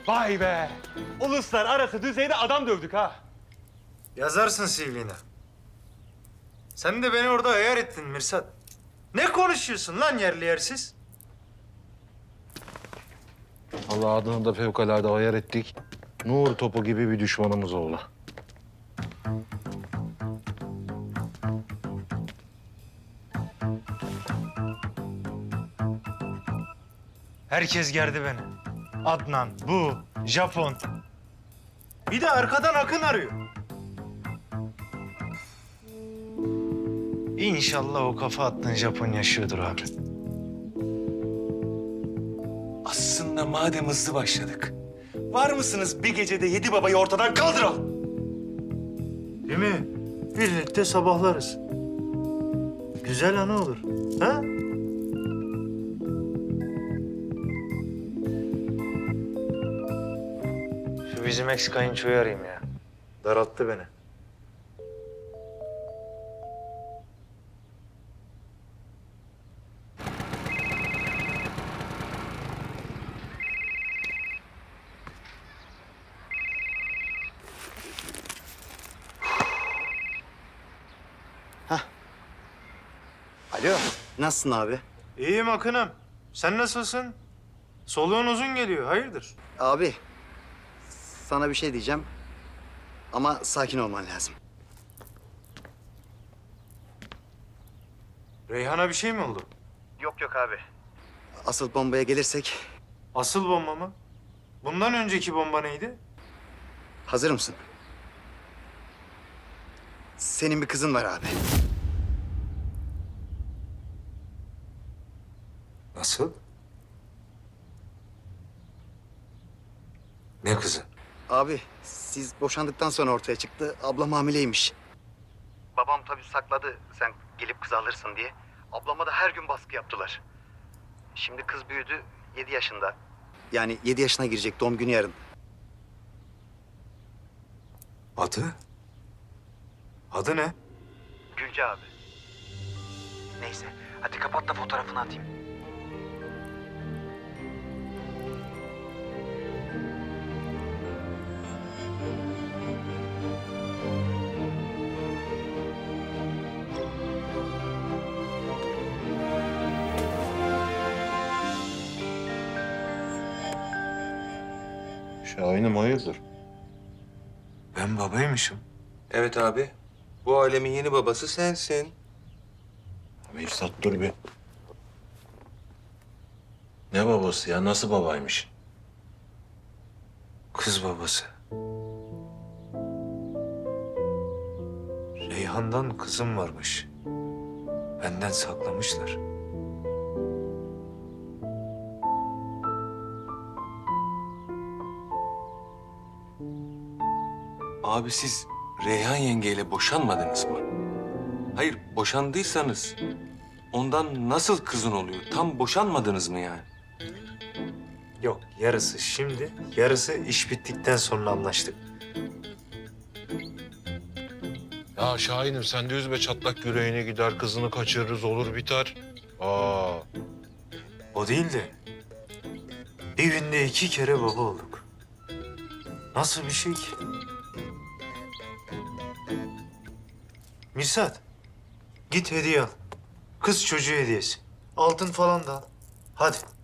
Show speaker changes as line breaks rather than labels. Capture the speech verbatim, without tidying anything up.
Vay be! Uluslararası düzeyde adam dövdük ha.
Yazarsın C V'ne. Sen de beni orada ayar ettin Mirsat. Ne konuşuyorsun lan yerli yersiz?
Allah adını da fevkalade ayar ettik. Nur topu gibi bir düşmanımız oldu.
Herkes gerdi beni. Adnan, bu, Japon. Bir de arkadan Akın arıyor. İnşallah o kafa attığın Japon yaşıyordur abi.
Aslında madem hızlı başladık, var mısınız bir gecede yedi babayı ortadan kaldıralım?
Değil mi? Birlikte sabahlarız. Güzel anı olur. Ha? Şu bizim ex kayınçoyu arayayım ya. Daralttı beni.
Alo, nasılsın abi?
İyiyim Akın'ım. Sen nasılsın? Soluğun uzun geliyor. Hayırdır?
Abi, sana bir şey diyeceğim ama sakin olman lazım.
Reyhan'a bir şey mi oldu?
Yok yok abi. Asıl bombaya gelirsek
Asıl bomba mı? Bundan önceki bomba neydi?
hazır mısın? Senin bir kızın var abi.
Nasıl? Ne kızı?
Abi, siz boşandıktan sonra ortaya çıktı. Ablam hamileymiş. Babam tabii sakladı sen gelip kız alırsın diye. Ablama da her gün baskı yaptılar. Şimdi kız büyüdü, yedi yaşında. Yani yedi yaşına girecek, doğum günü yarın.
Adı? Adı ne?
Gülce abi. Neyse, hadi kapat da fotoğrafını atayım.
Şahin'im hayırdır?
Ben babaymışım.
Evet abi. Bu alemin yeni babası sensin.
Mirsat dur bir. Ne babası ya? Nasıl babaymış?
Kız babası. Reyhan'dan kızım varmış. Benden saklamışlar.
Abi siz Reyhan yengeyle boşanmadınız mı? Hayır, boşandıysanız ondan nasıl kızın oluyor? Tam boşanmadınız mı yani?
Yok, yarısı şimdi, yarısı iş bittikten sonra anlaştık.
Ya Şahin'im sen de üzme çatlak yüreğine gider, kızını kaçırırız olur biter. Aa,
O değil de bir günde iki kere baba olduk. Nasıl bir şey ki? Mirsat, git hediye al. Kız çocuğu hediyesi. Altın falan da al. Hadi.